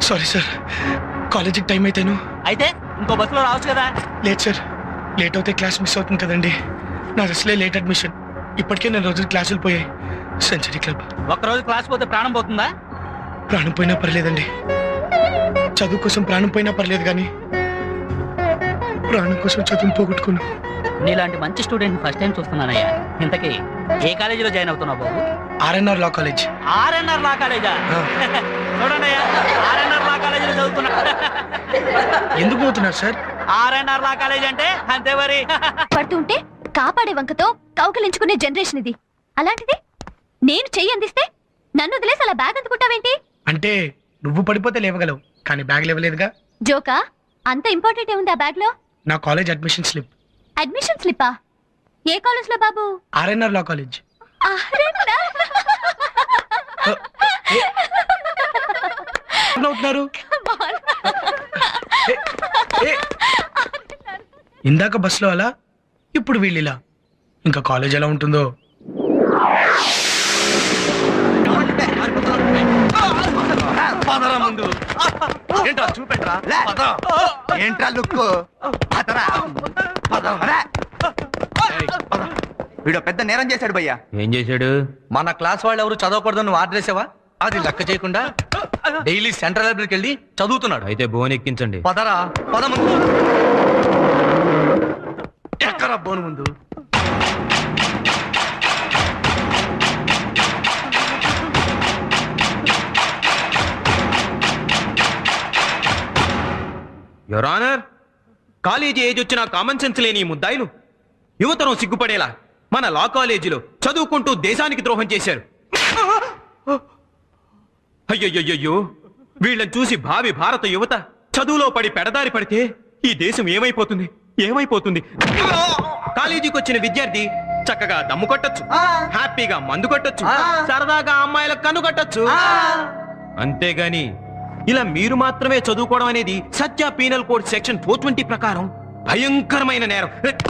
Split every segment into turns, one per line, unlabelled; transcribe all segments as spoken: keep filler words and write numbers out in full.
Sorry sir, కాలేజీకి time అయితేను.
అయితే ఇంకో బస్సులో రావచ్చు కదా.
లేదు సార్, లేట్ అవుతే క్లాస్ మిస్ అవుతుంది కదండి. నా అసలే లేట్ అడ్మిషన్. ఇప్పటికే నేను రోజులు క్లాసులు పోయాయి. Century club.
ఒక్కరోజు క్లాస్ పోతే ప్రాణం పోతుందా?
ప్రాణం పోయినా పర్లేదండి. చదువు కోసం ప్రాణం పోయినా పర్లేదు, కానీ ప్రాణం కోసం చదువును పోగొట్టుకున్నా.
నీలాంటి మంచి స్టూడెంట్ ఫస్ట్ టైం చూస్తున్నానయ్యా. ఇంతకీ ఏ కాలేజీలో జాయిన్ అవుతున్నావు బాబు?
ఆర్ఎన్ఆర్ లా కాలేజ్.
ఆర్ఎన్ఆర్ లా కాలేజా? చూడండి అయ్యా, ఆర్ఎన్ఆర్ లా కాలేజీలో చదువుతున్నా.
ఎందుకు పోతున్నారు సార్?
ఆర్ఎన్ఆర్ లా కాలేజ్ అంటే అంతే మరి.
పడుతుంటే కాపాడే వంకతో కౌకలించుకునే జనరేషన్ ఇది. అలాంటిది నేను చెయ్యి అందిస్తే నన్ను వదిలేసి అలా బ్యాగ్ అందుకుంటావేంటి?
అంటే నువ్వు పడిపోతే లేవగలవు, కానీ బ్యాగ్ లేవలేదుగా.
జోకా? అంత ఇంపార్టెంట్ ఏముంది ఆ బ్యాగ్ లో?
నా కాలేజ్ అడ్మిషన్ స్లిప్.
అడ్మిషన్ స్లిప్పా? ఏ కాలేజ్ లో బాబు?
ఆర్ఎన్ఆర్ లా కాలేజ్. ఇందాక బస్సులో అలా, ఇప్పుడు వీళ్ళిలా. ఇంకా కాలేజ్ ఎలా ఉంటుందో.
ముందు ఏంట్రా చూపెట్రా. ఏంట్రా లుక్. వీడు పెద్ద నేరం చేశాడు భయ్యా.
ఏం చేశాడు?
మన క్లాస్ వాళ్ళు ఎవరు చదవకూడదు నువ్వు ఆర్డర్ చేసావా? అది లెక్క చేయకుండా డైలీ సెంట్రల్ లైబ్రరీకి వెళ్ళి చదువుతున్నాడు.
అయితే బోన్ ఎక్కించండి.
పదరా పద ముందు. ఎక్కరా బోన్ ముందు.
యువర్ ఆనర్, కాలేజీ ఏజ్ వచ్చిన కామన్ సెన్స్ లేని ముద్దాయిలు యువతరం సిగ్గుపడేలా మన లా కాలేజీలో చదువుకుంటూ దేశానికి ద్రోహం చేశారు. అయ్యయ్యో, వీళ్ళని చూసి భావి భారత యువత చదువులో పడి పెడదారి పడితే ఈ దేశం ఏమైపోతుంది ఏమైపోతుంది కాలేజీకి వచ్చిన విద్యార్థి చక్కగా దమ్ము కొట్టచ్చు, హ్యాపీగా మందు కొట్టచ్చు, సరదాగా అమ్మాయిలకు కన్ను కొట్టచ్చు. అంతేగాని ఇలా మీరు మాత్రమే చదువుకోవడం అనేది Satya penal code section four twenty ప్రకారం భయంకరమైన నేరం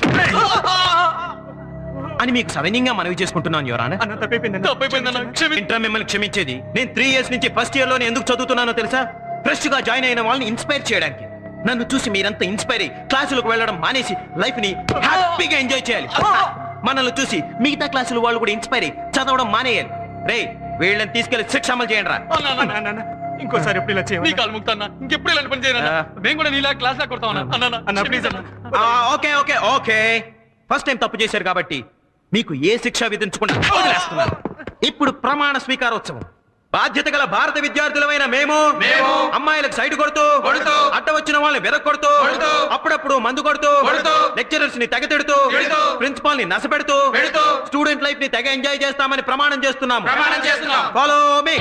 అని మీకు సవినయంగా మనవి చేసుకుంటున్నాను. యువర్ ఇంటర్ మిమ్మల్ని క్షమించేది. నేను త్రీ ఇయర్స్ నుంచి ఫస్ట్ ఇయర్ లోనే ఎందుకు చదువుతున్నానో తెలుసా? ఫ్రెష్ గా జాయిన్ అయిన వాళ్ళని ఇన్స్పైర్ చేయడానికి. నన్ను చూసి మీరంతా ఇన్స్పైర్ అయ్యి క్లాసులకు వెళ్ళడం మానేసి లైఫ్ ని హ్యాపీగా ఎంజాయ్ చేయాలి. మనల్ని చూసి మిగతా క్లాసులు వాళ్ళు కూడా ఇన్స్పైర్ అయ్యి చదవడం మానేయాలి. రే, వీళ్ళని తీసుకెళ్లి శిక్ష అమలు చేయండి రా.
ఇంకోసారి ఎప్పుడు ఇలా చేయాలి? నీ కాలు ముక్తాన్నా, ఇంకెప్పుడు ఇలాంటి పని చేయనా? మేము కూడా నీలా క్లాస్ లా కొడతామన్నా. ప్లీజ్ అన్న.
Okay okay okay first time తప్పు చేశారు కాబట్టి మీకు ఏ శిక్ష విధించకుండా వదిలేస్తున్నాను. ఇప్పుడు ప్రమాణ స్వీకారోత్సవం. బాధ్యత గల భారత విద్యార్థులమైన మేము అమ్మాయిలకు సైడ్ కొడుతూ అడ్డ వచ్చిన వాళ్ళని వెదక్ కొడుతూ అప్పుడప్పుడు మందు కొడుతూ లెక్చరర్స్ ని తెగ తిడుతూ ప్రిన్సిపాల్ ని నసపెడుతూ స్టూడెంట్ లైఫ్ ని తెగ ఎంజాయ్ చేస్తామని ప్రమాణం చేస్తున్నాము. Follow me.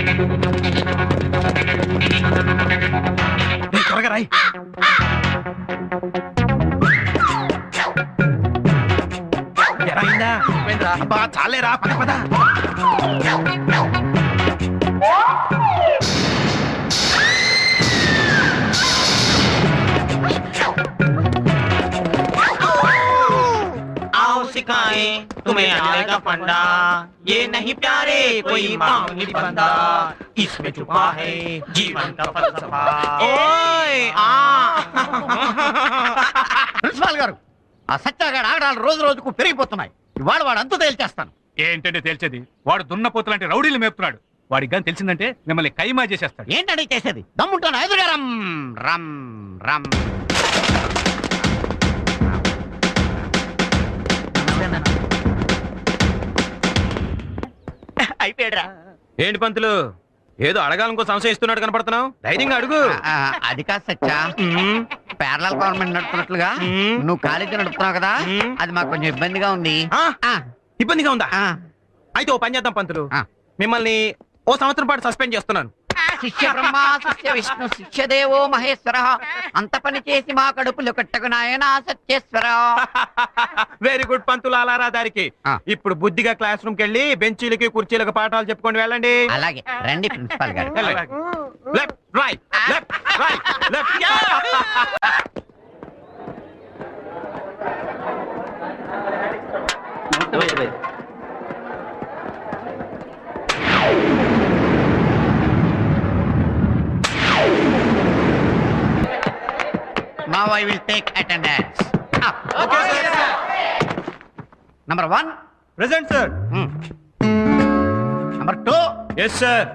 త్వరగా రాయ్. చాలేరా, పద పద.
सिखाएं तुम्हें आएगा फंडा, ये नहीं प्यारे कोई मामूली बंदा, इसमें छुपा है जीवन का फलसफा. ओए आ
ప్రిన్సిపాల్ గారు, ఆ సత్యాగాడు ఆగడాలు రోజు రోజుకు పెరిగిపోతున్నాయి. ఇవాళ వాడు అంతు తేల్చేస్తాను.
ఏంటంటే తేల్చేది? వాడు దున్నపోతు లాంటి రౌడీలు మేపుతున్నాడు. వాడికి కానీ తెలిసిందంటే మిమ్మల్ని కైమా చేసేస్తాడు.
ఏంటంటే చేసేది? దమ్ముంటాను ఎదురుగా రమ్ రమ్ రమ్.
అయిపోయాడురా.
ఏంటి పంతులు, ఏదో అడగాలనుకో సంశయం ఇస్తున్నాడు కనపడుతున్నావు. ధైర్యంగా అడుగు.
అది కాదు సత్యా, పేరల గవర్నమెంట్ నడుపుతున్నట్లుగా నువ్వు కాలేజీ నడుపుతున్నావు కదా, అది మాకు కొంచెం ఇబ్బందిగా ఉంది.
ఇబ్బందిగా ఉందా? అయితే ఓ పని చేద్దాం పంతులు, మిమ్మల్ని ఓ సంవత్సరం పాటు సస్పెండ్ చేస్తున్నాను.
శిష్య బ్రహ్మ శిష్య విష్ణు శిష్య దేవో మహేశ్వర, అంత పని చేసి మా కడుపులు కట్టకు నాయనా సత్యేశ్వర.
వెరీ గుడ్ పంతులు, అలారా దారికి. ఇప్పుడు బుద్ధిగా క్లాస్ రూమ్ కెళ్ళి బెంచీలకి కుర్చీలకు పాఠాలు చెప్పుకొని వెళ్ళండి.
అలాగే రండి ప్రిన్సిపాల్ గారు.
Left right left right left.
Now I will take attendance. Okay, sir. Number one.
Present sir.
Hmm. Number two.
Yes sir.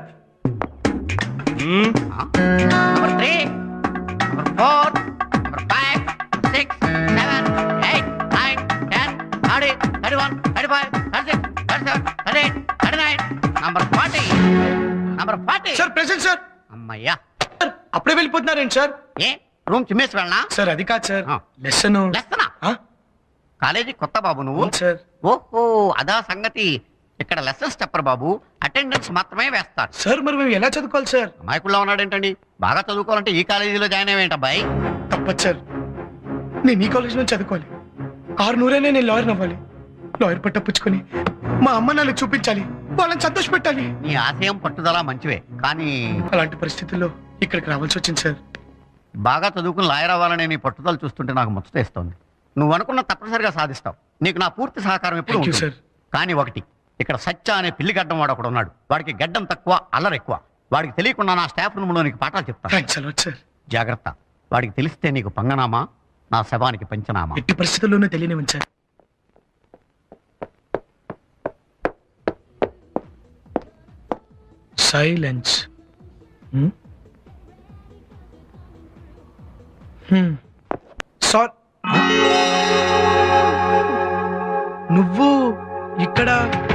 Huh? Number three. Number four. Number five. Six. Seven. Eight. Nine. Ten. Thirty. Thirty-one. Thirty-five. Thirty-six. Thirty-seven. Thirty-eight. Thirty-nine. Number forty. Number forty.
Sir present sir.
అమ్మయ్యా.
అప్పుడే వెళ్ళిపోతున్నారేంటి sir?
ఏ room చిమ్మేసి వెళ్ళనా?
Sir అది కాదు sir,
ఆ.
Lesson.
లెస్తనా? College కొత్త బాబు నువ్వు?
Sir
ఓహో అదా సంగతి. ఇక్కడ లెసన్స్ చెప్పరు బాబు, అటెండెన్స్ మాత్రమే వేస్తారు.
సార్ మరి మేము ఎలా చదువుకోవాలి సార్?
అమాయకుల్లో ఉన్నాడేంటండి? బాగా చదువుకోవాలంటే ఈ కాలేజీలో జాయిన్ అయ్యేంటబ్బాయి.
తప్పదు సార్, నేను ఈ కాలేజ్ నుంచి చదువుకోవాలి. ఆరు నూరైనా నేను లాయర్ అవ్వాలి. లాయర్ పట్ట పుచ్చుకొని మా అమ్మ నాన్నకి చూపించాలి, వాళ్ళని సంతోష పెట్టాలి.
నీ ఆశయం పట్టుదల మంచివే, కానీ
అలాంటి పరిస్థితుల్లో ఇక్కడికి రావాల్సి వచ్చింది సార్.
బాగా చదువుకుని లాయర్ అవ్వాలనే నీ పట్టుదల చూస్తుంటే నాకు ముచ్చటేస్తోంది. నువ్వు అనుకున్న తప్పనిసరిగా సాధిస్తావు. నీకు నా పూర్తి సహకారం ఎప్పుడు
Thank you,
ఉంటుంది.
sir.
కానీ ఒకటి, ఇక్కడ సత్య అనే పిల్లి గడ్డం వాడు ఒకడు ఉన్నాడు. వాడికి గడ్డం తక్కువ, అల్లరి ఎక్కువ. వాడికి తెలియకుండా నా స్టాఫ్ రూమ్ లో నీకు పాఠాలు చెప్తాను.
Thanks a lot sir.
జాగ్రత్త. వాడికి తెలిస్తే నీకు పంగనామా, నా శవానికి పంచనామా.
ఎట్టి పరిస్థితుల్లోనూ తెలియనివ్వండి సార్. సైలెన్స్. సార్ నువ్వు ఇక్కడ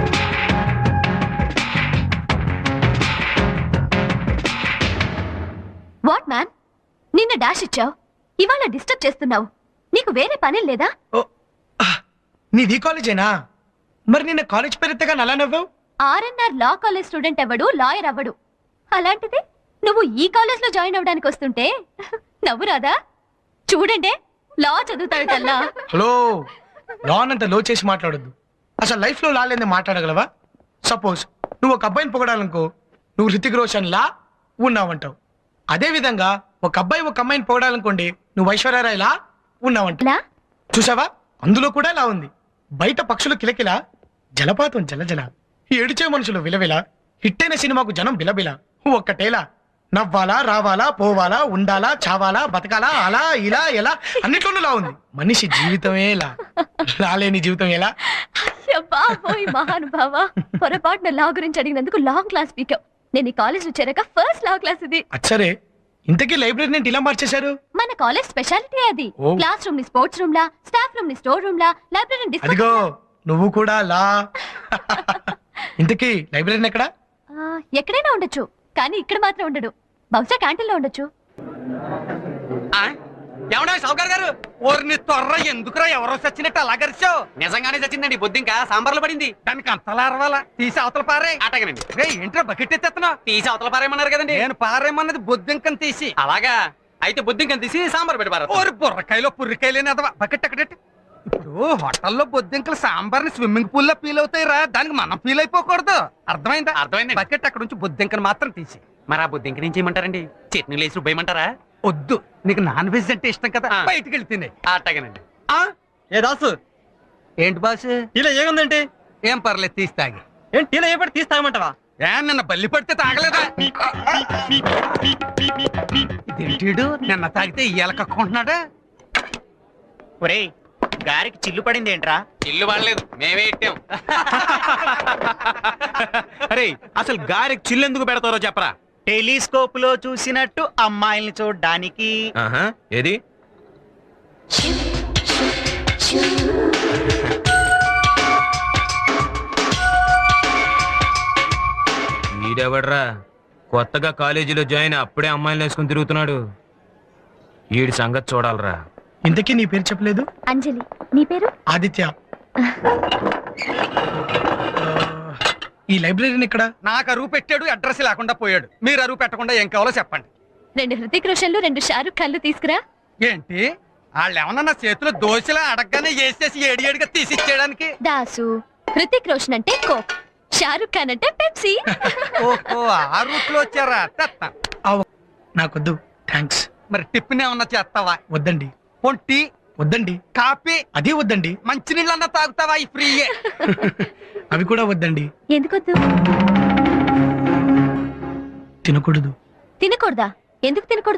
వాట్ మ్యాన్, నిన్న డాష్ ఇచ్చావు, ఇవాళ డిస్టర్బ్ చేస్తున్నావు. నీకు వేరే పని లేదా?
ఓ, ఆ, నీది ఈ కాలేజేనా? మరి నిన్న కాలేజ్ పేరెత్తగా నలా నవ్వావు?
ఆర్ఎన్ఆర్ లా కాలేజ్ స్టూడెంట్ అవ్వడు, లాయర్ అవ్వడు. అలాంటిది నువ్వు ఈ కాలేజ్ లో జాయిన్ అవ్వడానికి వస్తుంటే నవ్వు రాదా? చూడండి, లా చదువుతాడల్లా.
హలో, లాన్ అంత లో చేసి మాట్లాడొద్దు. అసలు లైఫ్ లో లాలేంది మాట్లాడగలవా? సపోజ్ నువ్వు ఒక అబ్బాయిని పొగడాలనుకో, నువ్వు హృతిక్ రోషన్ లా ఉన్నావంటావు. అదే విధంగా ఒక అబ్బాయి ఒక అమ్మాయిని పొగడాలనుకోండి, నువ్వు ఐశ్వర్యరాయ్ లా ఉన్నావంటావు.
లా?
చూసావా, అందులో కూడా లా ఉంది. బయట పక్షులు కిలకిల, జలపాతం జలజల, ఏడిచే మనుషులు విలవిల, హిట్టైన సినిమాకు జనం బిలబిల. ఒక్కటేలా నవ్వాలా, రావాలా, పోవాలా, ఉండాలా, చావాలా, బతకాలా, అలా ఇలా ఎలా, అన్నిట్లోనూ లా ఉంది. మనిషి జీవితమే లా, లాలేని జీవితం ఎలా?
అబ్బా, ఓయ్ మహానుభావ, పొరపాటున లా గురించి అడిగినందుకు లాంగ్ క్లాస్ పీకావు. నేను ఈ కాలేజ్ లో చేరాక ఫస్ట్ లా క్లాస్ ఇది.
అచ్చరే, ఇంతకీ లైబ్రరీ ఇలా మార్చేశారు?
మన కాలేజ్ స్పెషాలిటీ అది.
ఓ.
క్లాస్ రూమ్ ని స్పోర్ట్స్ రూమ్ లా, స్టాఫ్ రూమ్ ని స్టోర్ రూమ్ లా, లైబ్రరీ డిస్కో.
అదిగో నువ్వు కూడా లా. ఇంతకీ లైబ్రరీ ఎక్కడ?
ఆ, ఎక్కడైనా ఉండొచ్చు, కానీ ఇక్కడ మాత్రం ఉండడు. బహుశా క్యాంటీన్ లో ఉండొచ్చు.
ఎవడా సౌకర్ గారు? ఓర్ని త్వర ఎందుకురా ఎవరో చచ్చినట్టు అలా గరిచావు?
నిజంగానే చచ్చిందండి, బొద్దు ఇంకా సాంబార్లో పడింది.
దానికి అంతలా అరవాలా? తీసి అవతల పారే.
అటగనండి,
రే ఏంట్రా బకెట్ ఎత్తేస్తున్నావు?
తీసి అవతల పారేయమన్నారు కదండి.
నేను పారేమన్నది బొద్దింకని తీసి.
అలాగా అయితే బొద్దింకని తీసి సాంబార్ పెట్టి పారేస్తాను.
ఓరి బుర్రకాయలో పుర్రికాయలేని అదవా బకెట్ అక్కడెట్టి. ఇప్పుడు హోటల్లో బొద్దింకలు సాంబార్ని స్విమ్మింగ్ పూల్ లో ఫీల్ అవుతాయిరా, దానికి మనం ఫీల్ అయిపోకూడదు. అర్థమైందా?
అర్థమైందండి.
బకెట్ అక్కడ నుంచి బొద్దింకను మాత్రం తీసి.
మరి ఆ బొద్దింక నుంచి ఏమంటారండి? చట్నీలు వేసి రుబ్బేయమంటారా?
వద్దు, నీకు నాన్ వెజ్ అంటే ఇష్టం కదా,
ఆ.
బయటికి వెళ్ళి తినే.
అట్టగనండి.
ఏ దాసు, ఏంటి బాసు?
ఇలా ఏముందంటే
ఏం పర్లేదు తీసి తాగి.
ఏంటి ఇలా ఏ పడి తీసి తాగమంటావా?
ఏ నిన్న బల్లి పడితే తాగలేదా? ఇదేంటీడు నిన్న తాగితే ఇయ్యాల కక్కుంటున్నాడా?
ఒరేయ్, గారికి చిల్లు పడింది ఏంట్రా? చిల్లు పడలేదు, మేమే ఇట్టాం.
అరే అసలు గారికి చిల్లు ఎందుకు పెడతారో చెప్పరా?
టెలిస్కోప్ లో చూసినట్టు అమ్మాయిల్ని చూడడానికి.
ఆహా, ఏది? ఈడెవడ్రా కొత్తగా కాలేజీలో జాయిన్ అప్పుడే అమ్మాయిలు వేసుకుని తిరుగుతున్నాడు? ఈడి సంగతి చూడాలరా.
ఇంతకీ నీ పేరు చెప్పలేదు?
అంజలి. నీ పేరు?
ఆదిత్య. ఈ లైబ్రరీని ఇక్కడ?
నాకు అరువు పెట్టాడు, అడ్రస్ లేకుండా పోయాడు. మీరు అరువు పెట్టకుండా ఏం కావాలో చెప్పండి.
రెండు హృతిక్ రోషన్లు, రెండు షారుఖ్ ఖాన్లు తీసుకురా.
ఏంటి వాళ్ళు ఏమన్నా నా చేతిలో దోశలా అడగగానే వేసేసి ఏడి ఏడిగా తీసిచ్చేయడానికి?
దాసు, హృతిక్ రోషన్ అంటే కోక్, షారుఖ్ ఖాన్ అంటే పెప్సీ.
ఓహో, ఆ రూట్ లో వచ్చారా? తెస్తా.
నాకొద్దు, థ్యాంక్స్.
మరి టిఫిన్ ఏమన్నా చేస్తావా?
వద్దండి.
పొంటి
వద్దండి.
కాఫీ
అదే వద్దండి.
మంచినీళ్ళన్నా తాగుతావా? ఈ ఫ్రీయే.
అవి కూడా వద్దండి.
ఎందుకొద్దు?
తినకూడదు.
తినకూడదా? ఎందుకు తినకూడదు?